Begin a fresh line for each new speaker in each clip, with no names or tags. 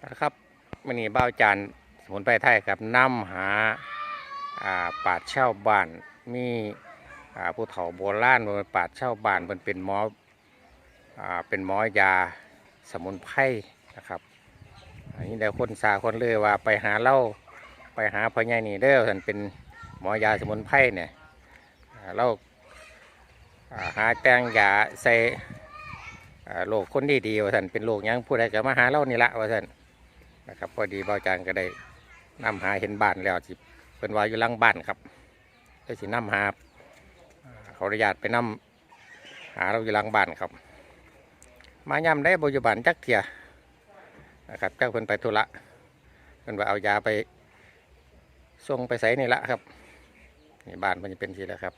นะครับมันนี่บ้าวจานสมุนไพรไทยครับนำหาปราชญ์ชาวบ้านมีผู้เฒ่าโบราณเป็นปราชญ์ชาวบ้านเป็นหมอเป็นหมอยาสมุนไพรนะครับอันนี้ได้คนสาคนเลยว่าไปหาเล่าไปหาพ่อใหญ่นี่เด้อท่านเป็นหมอยาสมุนไพรเนี่ยเราหาแตงยาใส่โรคคนดีว่าท่านเป็นโรคยังผู้ใดก็มาหาเล่านี่ละว่าท่านนะครับพอดีบ่าวจานก็ได้นำหาเห็นบ้านแล้วสิเป็นว่าอยู่หลังบ้านครับได้สินำหาเขาอนุญาตไปนำหาเราอยู่หลังบ้านครับมาย่ำได้บริบาลจักเทียนะครับเจ้าเพิ่นไปธุระเพิ่นว่าเอายาไปส่งไปใส่นี่ละครับนี่บ้านมันจะเป็นทีแล้วครับ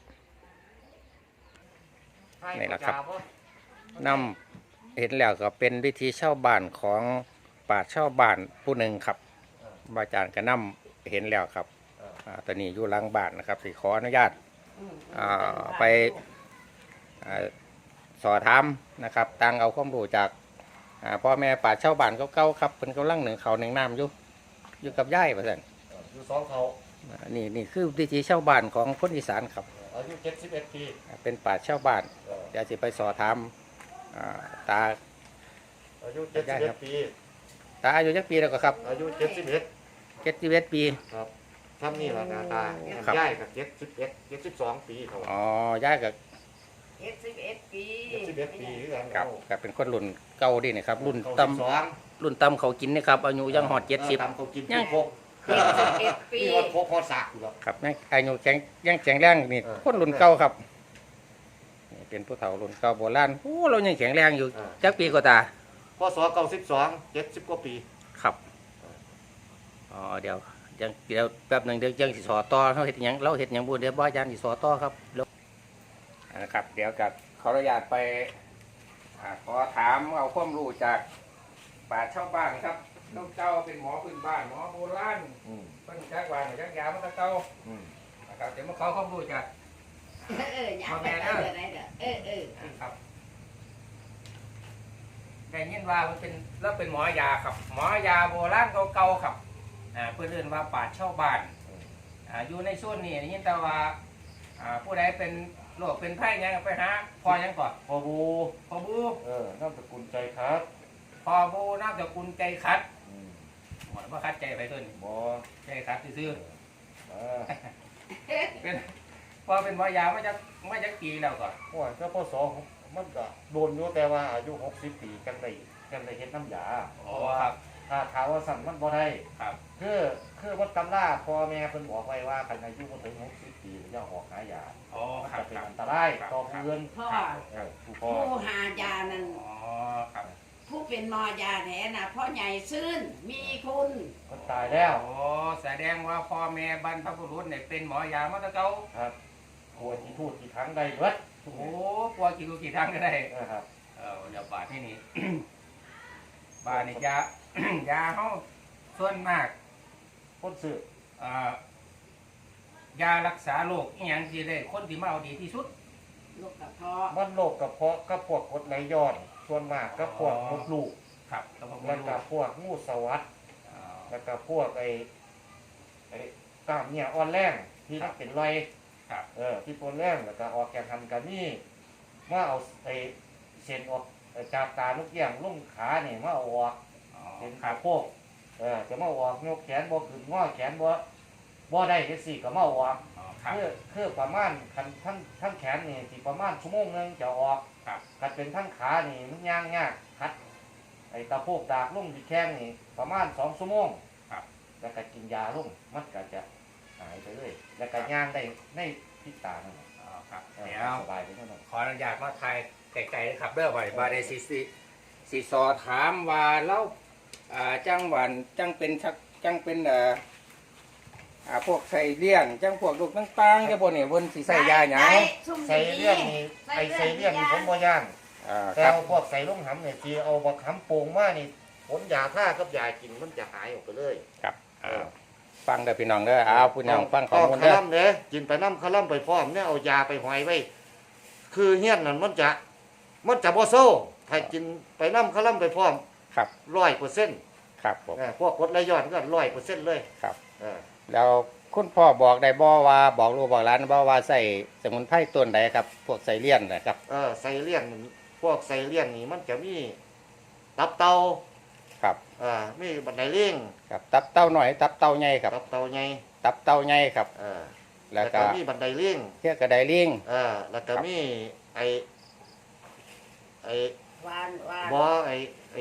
นี่แหละครับนำเห็นแล้วก็เป็นวิธีเช่าบ้านของปราชญ์ชาวบ้านผู้หนึ่งครับอาจารย์ก็นำเห็นแล้วครับตอนนี้อยู่หลังบ้านนะครับสิขออนุญาตไปสอบถามนะครับตังเอาความรู้จากพ่อแม่ปราชญ์ชาวบ้านเก่าๆครับเป็นกำลังหนึ่งเขาหนึ่งน้ำอยู่กับย่ายประสัน
อยู่สองเขา
นี่คือวิธีชาวบ้านของคนอีสานครับ
อายุ71 ปี
เป็นปราชญ์ชาวบ้านเดี๋ยวจะไปสอบถามตา
อายุ71 ปี
ตาอายุจักปีแล้วก็ครับ
อายุ71
ปี
ครับทำนี่แหละนาตาย่ายกับ72 ปีเขา
อ๋อย่ายกับ
71 ปี
71 ปีคือกัน
กับเป็นคนรุ่นเก่าดินะครับรุ่นต่ำเขากินนะครับอายุยังหอด70
ต่ำเขากิน
ยัง
71 ปี
นี่พอสักอยู่
ครับอายุยังแข็งแรงนี่คนรุ่นเก่าครับเป็นผู้เฒ่ารุ่นเก่าโบราณโอ้เรายังแข็งแรงอยู่จักปีก็ตา
พศ92 70 กว่าปี
ครับอ๋อเดี๋ยวแป๊บหนึ่งเดี๋ยวยังสิสอต่อเราเห็ดหยังเราเห็ดหยังบุญเดี๋ยวบ่อาจารย์สิสอต่อครับนะครับเดี๋ยวกับขออนุญาตไปขอถามเอาความรู้จากปราชญ์ชาวบ้านครับน้องเจ้าเป็นหมอพื้นบ้านหมอโบราณเป็นจักรวาลจักรยามันก็เก่านะครับเดี๋ยวมาขอความรู้จากพ่อแม่เด้อครับได้ยินว่ามันเป็นแล้วเป็นหมอยาครับหมอยาโบราณเก่าๆครับเพื่อเรียนว่าปราชญ์ชาวบ้านอยู่ในส่วนนี้ได้ยินแต่ว่าผู้ใดเป็นโรคเป็นไข้ยังไปหาพอยังก่อน
พอบูน้ำสกุลใจครับ
พอบูนามสกุลใจคัดหมดว่าคัดใจไปต้น
บ่
ใจคัดซื่อเป็นพอเป็นหมอยาไม่จักปีแล้วก่อน
โอ้ยก็พศมันก็โดนอยู่แต่ว่าอายุ60 ปีกันได้เฮ็ดน้ำยา
อ๋อครับ
ถ้าถามว่าสั่นมันบ่ได้
ครับ
คือวัดตำราพ่อแม่เพิ่นบอกไว้ว่าคันอายุบ่ถึง60 ปีอย่าออกหายา
อ๋อครับ
จะเป็นอันตรายต่อผู้อื่น
ผู้หายานั่น
อ๋อครับ
ผู้เป็นหมอยาแท้น่ะพ่อใหญ่ซื่นมีคุณ
คนตายแล้ว
อ๋อแสดงว่าพ่อแม่บรรพบุรุษเนี่ยเป็นหมอยามาตั้งแต่เก่า
ครับกลัวที่พูดกี่ครั้งได้เบิด
โอ้กลัวกี่ครั้งก็ได้
ครับ
เดี๋ยวบาทที่นี่บาทนี่ยาเขาส่วนมาก
คนซื้
อยารักษาโรคอย่างที่ได้คนที่มาเอาดีที่สุด
โรคกระเพาะ
มันโรคกระเพาะกับพวกกรดไหลย้อนส่วนมากกับพวกมดลูก
ครับ
แล้วก็พวกงูสวัสด์แล้วก็พวกไอ้กล้ามเนี่ยอ่อนแรงที่นักเป็นรอยที่ปนแรงแล้วก็ออกแกนทันกันนี่มาเอาไอ้เส้นออกจากตาลูกเยี่ยงลุ่งขาเนี่ยมาเอาออกเส้นขาโพกจะมาออกยกแขนบ่ขึ้นงอแขนบ่ได้จังซี่ก็มาออกคือประมาณทั้งแขนนี่สิประมาณชั่วโมงนึงจะออกคันเป็นทั้งขานี่มันย่างยากคัดไอ้ตะโพกดากลุ่งที่แข้งนี่ประมาณ2 ชั่วโมงแล้วก็กินยาลุ่งมันก็จะหายไปเลยแล้วก็ย่างได้ในพิษตานั่น
ครับเดี๋ยว
สบายไปแน่นอน
ขออนุญาตมาถ่ายไกลๆนะครับเด้อไว้บาได้สิสอถามว่าแล้วจังหวันจังเป็นพวกใส่เลี้ยงจังพวกลูกต่างๆจะบนเนี่ยบนสีใส่ยาหยัง
ใส่เลี้ยงนี่ใส่เลี้ยงนี่ผมบ่ย่างแต่พวกใส่ลูกหำเนี่ยที่เอาบักหำโป่งมานี่ผลยาท่ากับยากินมันจะหายออกไปเลย
ครับฟังเด้อพี่น้องเด้อพี่น้องฟังข้อมูล
เด้อกินไปน้ำคาล่ำไปพร้อมเนี่ยเอายาไปหอยไว้คือเฮี้ยนนั่นมันจะบ่โซ่ถ้ากินไปน้ำคาล่ำไปพร้อม
ครับ
100%
ครับผม
พวกกรดไหลย้อนก็100%เลย
ครับ
เออ
แล้วคุณพ่อบอกได้บ่ว่าบอกลูกบอกหลานบ่ว่าใส่สมุนไพรต้นใดครับ พวกไซเลียนนะครับ
ไซเลียนพวกไซเลียนนี่มันจะมีตับเต่า
ครับ
มีบันไดเลี้ยง
ครับตับเต้าหน่อยตับเต้าใหญ่ครับ
ตับเต่าใหญ่
ตับเต้าใหญ่ครับ
แล้
แล้ว วก็
ก็มีบันไดเลี้ยง
เทียกระไดลิง
แล้วก็มีไอ้
วานวาน
บ่ไอ้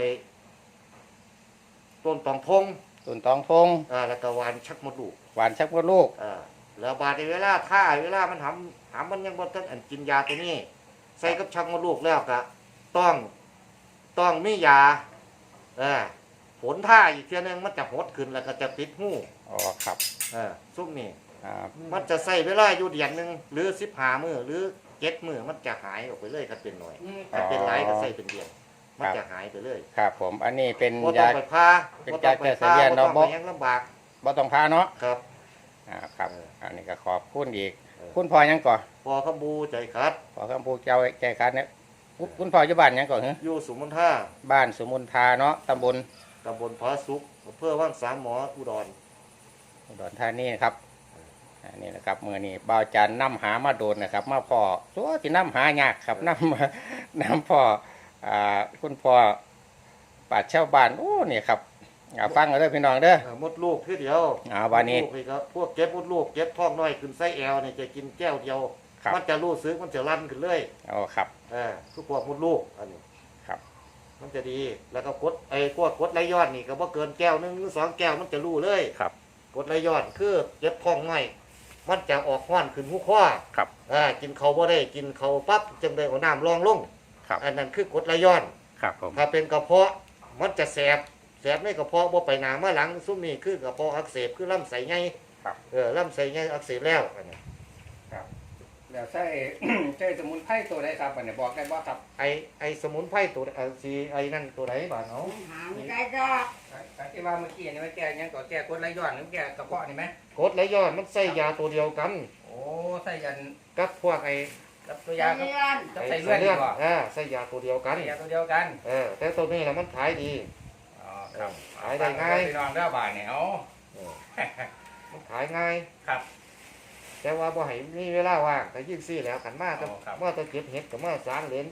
ต้นตองทง
ต้นตองทง
แล้วก็หวานชักมดลูก
หวานชักมดลูก
แล้วบาดในเวลามันทำมันยังบ่ทันอันกินยาตัวนี้ ใส่กับชักมดลูกแล้วก็ต้องมียาผลท่าอีกเทียนึงมันจะหดขึ้นแล้วก็จะติดหู
อ๋อครับ
ซุ่มนี่
ครับ
มันจะใส่เวลาอยู่เดือนหนึงหรือ15มื้อหรือ7มื้อมันจะหายออกไปเลยถ้าเป็นหน่อยถ้าเป็นหลายก็ใส่เป็นเดือนมันจะหายไปเลย
ครับผมอันนี้เป็น
บ่ต้อย
าง
ไปพา
เป็น
บ่ต้อง
ยาแก้ไขเลียน
บ่ต้อง
เนาะ
ไปยังลำบาก
บ่ต้องพาเนาะ
ครับ
ครับ อันนี้ก็ขอบคุณอีก
เออ
คุณพ่อยังก่อน
พอขบูใจคัด
พ่อคำพูเจ้าใจคัดเนี่ยคุณพ่ออยู่บ้านยังก่อนเหรอ
อยู่สุมนท่า
บ้านสมุนทาเนาะตำบล
ตำบลพระสุขอำเภอว่างสามหมออุดร
อุดรธานีนะครับอันนี้นะครับเมื่อนี้บ่าวจันน้ำหามาโดนนะครับ มาพ่อตัวที่น้ำหายากครับน้ำพ่อคุณพ่อป่าชาวบ้านโอ้นี่ครับฟังกันเด้อพี่น้องเด้อ
มดลูกคือเดียว
วันนี้
มดลูกนี่ครับพวกเก็บมดลูกเก็บท้องน้อยขึ้นไส้แอลนี่จะกินแก้วเดียว
ครับ
มันจะรู้สึกมันจะลั่นขึ้นเลย
อ๋อครับ
คือพวกมดลูกอันนี้
ครับ
มันจะดีแล้วก็กดพวกกดไหลย้อนนี่ก็บ่เกินแก้วนึงหรือ2แก้วมันจะรู้เลย
ครับ
กดไหลย้อนคือเก็บท้องน้อยมันจะออกห้อนขึ้นหูข้อ
ครับ
กินเขาวบ่ได้กินเขาวปั๊บจึงได้เอาน้ำรองลง
ครับ
อันนั้นคือกดไหลย้อน
ครับผม
ถ้าเป็นกระเพาะมันจะแสบในกระเพาะบ่ไปหนามาหลังซุ่มนี่คือกระเพาะอักเสบคือลำไส้ใหญ่
ครับ
ลำไส้ใหญ่อักเสบแล้วอันนี้
ครับแล้วใช่ ใช่สมุนไพรตัวใดครับอันนี้บอกได้บ่ครับ
ไอสมุนไพรตัวสีไอนั่นตัวไหนบ้านเนาะ
หางได้ดอก
ที่ว่าเมื่อกี้นี่มันแก้ยังก่อแก้กดไหลย้อนหรือแก้กระเพาะนี่ไหม
กดไหลย้อนมันใส่ยาตัวเดียวกัน
โอ้ใส่ยัน
กับพวก
กับตัวยาครับ
เลื่อน
กับใส่เลือดดีกว่า
ใส่ยาตัวเดียวกัน
ใส่ยาตัวเดียวกัน
แต่ตัวนี้นะมันขายดี
อ๋อครับ
ขายได้ง่าย
พี่น้องเด้อบาทเนี่ยเอา
มันขายง่าย
ครับ
แต่ว่าบ่ให้มีเวลาว่างแต่ยิ่งซี่แล้วกันมาแต่
อ๋อครับ
มาแต่เก็บเห็ดกับมาสางเหรน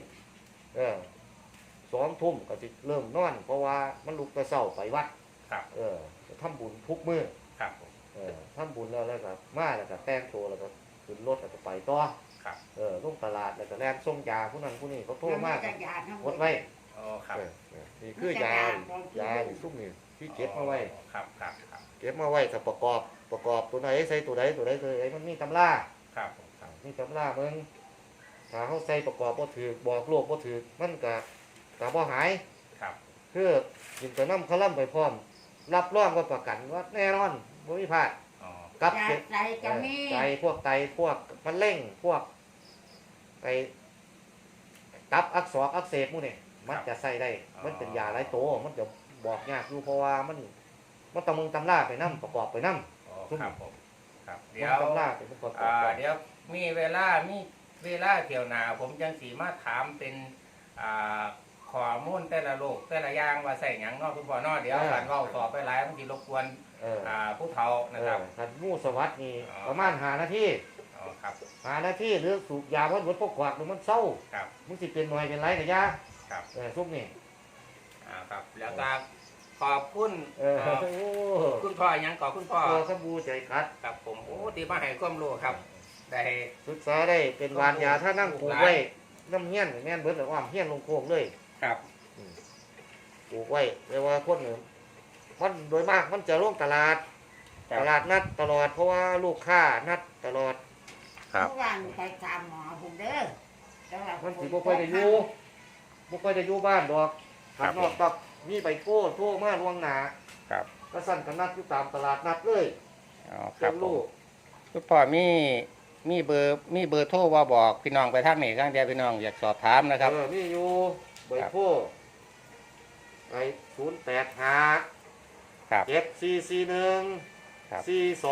2 ทุ่มก็สิเริ่มนอน เพราะว่ามันลุกแต่เช้าไปวัด
ครับ
ทำบุญทุกมื้อ
ครับผม
ทำบุญแล้วก็มาแล้วก็แต่งตัวแล้วก็ขึ้นรถแล้วก็ไปต่อ
ครับ
ลงตลาดแล้วก็แล่นส่งยาผู้นั้นผู้นี้เขาโทรมา
จักรยานทั้งหม
ก
ด
ดไว้
โอ้ครับ
นี่คือยานี่ซุ่มนี่ที่เก็บมาไว้
ครับครับครับ
เก็บมาไว้ถ้าประกอบตัวไหนใส่ตัวไหนมันมีตำรา
ครับผมครับ
มีตำรามึงถ้าเขาใส่ประกอบบ่ถือบอกโลกบ่ถือมันก็บ่หาย
ครับ
คือกินแต่น้ำคลั่มไปพร้อม รับรองว่าประกันว่าแน่นอนบ่มีพลาด
อ๋อ
กับ
ยา
เก็บ
ใจก็มี
ไตพวกพวกมะเร็งพวกไตตับอักเสบหมู่นี่มันจะใส่ได้ มันเป็นยาหลายตัวมันจะบอกยากอยู่เพราะว่ามันต้องมึงตำราไปนํประกอบไปนํ
อ๋อครับผมครับ
มึ
เดี๋
ง
ยว
ตำราเป็นประกอบไป
เดี๋ยวมีเวลาเที่ยวหนาผมจังสีมาถามเป็นข้อมูลแต่ละโรคแต่ละอย่างว่าใส่หยังเนาะคุณพ่อเนาะเดี๋ยวการเว้าต่อไปหลายมันสิรบกวนผู้เฒ่านะครับ
คันงูสวัสดนี่
อ๋อ
ประมาณ5 นาที
อ๋อครับ
5 นาทีหรือสูบยาวัดพวกขวากหรือมันเศร้า
ครับ
มึงสิเป็นหน่วยเป็นไรกับยา
ครับ
ซุปนี่
ครับแล้วก็ขอบคุณ
โอ้
คุณพ่อหยังขอคุณพ่อ
ตัวสบู่ใจคัด
ครับผมโอ้ที่มาให้ความรู้ครับ ได้
ศึกษาได้เป็นวานยาถ้านั่งปลูกไว้น้ำเงี้ยนแม่นเบิดอ้อมเฮี้ยนลงโคกเลย
ครับ
ปลูกไว้แต่ว่าคนหนึ่งมันโดยมากมันจะลงตลาดนัดตลอดเพราะว่าลูกค้านัดตลอด
ครับ
เมื่อวานไปตามหมอผมเด้อแต่ว่า
มันสิบ่ค่อยได้อยู่บ้านดอก
ครับ
ข้างนอกตักมีใบโก้โทรมาล่วงหน้า
ครับ
ก็สั่นกันนัดอยู่ตามตลาดนัดเลย
อ๋อค
เป็
รับ
น
ผ
ลู
ม
ก
คุณพ่อมีเบอร์โทรว่าบอกพี่น้องไปทางไหนข้างเดียวพี่น้องอยากสอบถามนะครับ
มีอยู่ใบโก้ไอ้085
ครับ
7441
ครับ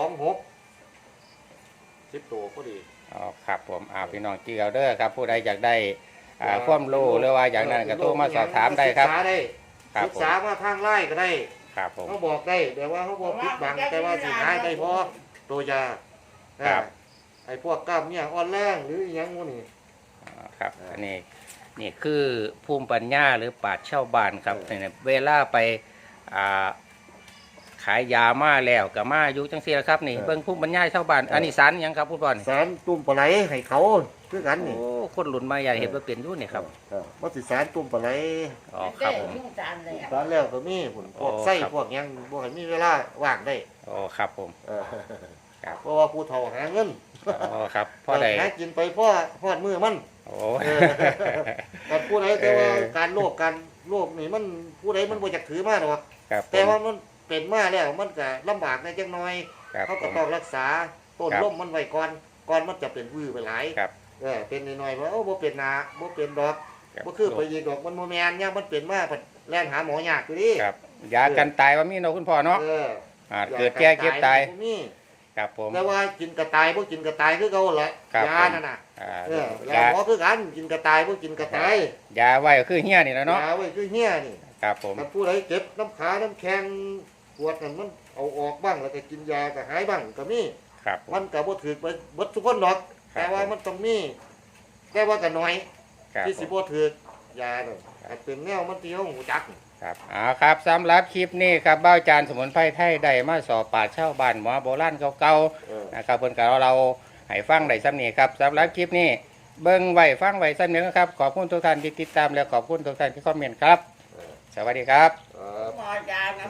426 10ตัวพอดี
อ๋อครับผมพี่น้องจีเอาเด้อครับผู้ใดอยากได้ความรู้หรือว่าอย่างนั้นก็โทรมาสอบถามได้ครับ
ศึกษาได้
ครับ
ศึกษามาทางไล่ก็ได้
ครับผม
เขาบอกได้แต่ว่าเขาบอกปิดบังแต่ว่าสิหายได้พอตัวยา
ครับ
ไอ้พวกกล้ามเนี่ยอ่อนแรงหรืออหยังพวกนี้
ครับอันนี้นี่คือภูมิปัญญาหรือปราชญ์ชาวบ้านครับเนี่ยเวลาไปอ่าขายยามาแล้วกับมาอยู่จังซี่ละครับนี่เบิ่งภูมิปัญญาชาวบ้านอันนี้สารหยังครับคุณพ่อนี่
สารตุ่มปลาไหลให้เขาคือกันนี่
โอ้คนหลุนมาอย่าเห็นว่าเปลี่ยนอยู่นี่ครับ
ว่าสิสารตุ่มปลาไหล
อ๋อครับผม
ยุ่งจานเลย
สารแล้วก็มีผลพวก
โอ้
ไส้
ครับ
พวกหยังบ่ให้มีเวลาว่างได้
อ๋อครับผม
เออ
ครับ
เพราะว่าผู้เฒ่าหาเงิน
อ๋อครับพ่อใด
หากินไปพ่อพอดมือมัน
โอ้
เออการผู้ใดแต่ว่าการโลภนี่มันผู้ใดมันบ่อยากถือมาหรอก
ครับผ
แต่
ม
ว่ามันเป็นมาแล้วมันก็ลำบากในจังน้อย
ครับ
เขา
ผ
ก็
ม
ต้องรักษาต้น
ครับ
ร่มมันไว้ก่อนมันจะเป็นวื้อไปหลาย
ครับ
เป็นน้อยๆว่าโอ้บ่เป็นนาบ่เป็นดอก
ครับ
บ่คือไปยีกดอกมันบ่แม่นเนี่ยมันเป็นมาเพิ่นแล่นหาหมอยากอยู่ดิ
ครับยากันตายว่ามีเนาะคุณพ่อเนาะ
เออ
เกิดแก่เก็บตาย
บ่มี
ครับผม
แต่ว่ากินกระตายบ่กินกระตายคือเก่าแหละ
ครับ
ยานั่นน่ะ
อ่า
เออย าหมอคือกันกินกระตายบ่กินกระตาย
ยาไว้ก็คือเฮี้ยนี่แหล้วเนาะ
ยาไว้คือเหี้ยนี่
ครับผม
ถ้าผู้ใดเจ็บน้ำขาน้ำแข็งปวดนั่นมันเอาออกบ้างแล้วก็กินยาก็หายบ้างก็มี
ครับผม
มันก็บ่ถือไปเบิดทุกคนดอก
ครับ
แต่ว่ามันต้องมีแต่ว่าก็น้อย
ครับ
ที่
ผ
สิ
ม
บ่ถือยานั่นอาจเป็นแนวมันที่เฮาหูจัก
ครับครับสำหรับคลิปนี้ครับเบ้าจานสมุนไพรไทยได้มาสอบปราชญ์ชาวบ้านหมอโบราณเก่า
เออ
ๆนะครับเพิ่นก็เราให้ฟังได้ซ้ำนี้ครับสำหรับคลิปนี้เบิ่งไว้ฟังไว้ซ้ำนี้นะครับขอบคุณทุกท่านที่ติดตามและขอบคุณทุกท่านที่คอมเมนต์ครับ สวัสดีครับ
ครับ
หมอยานะ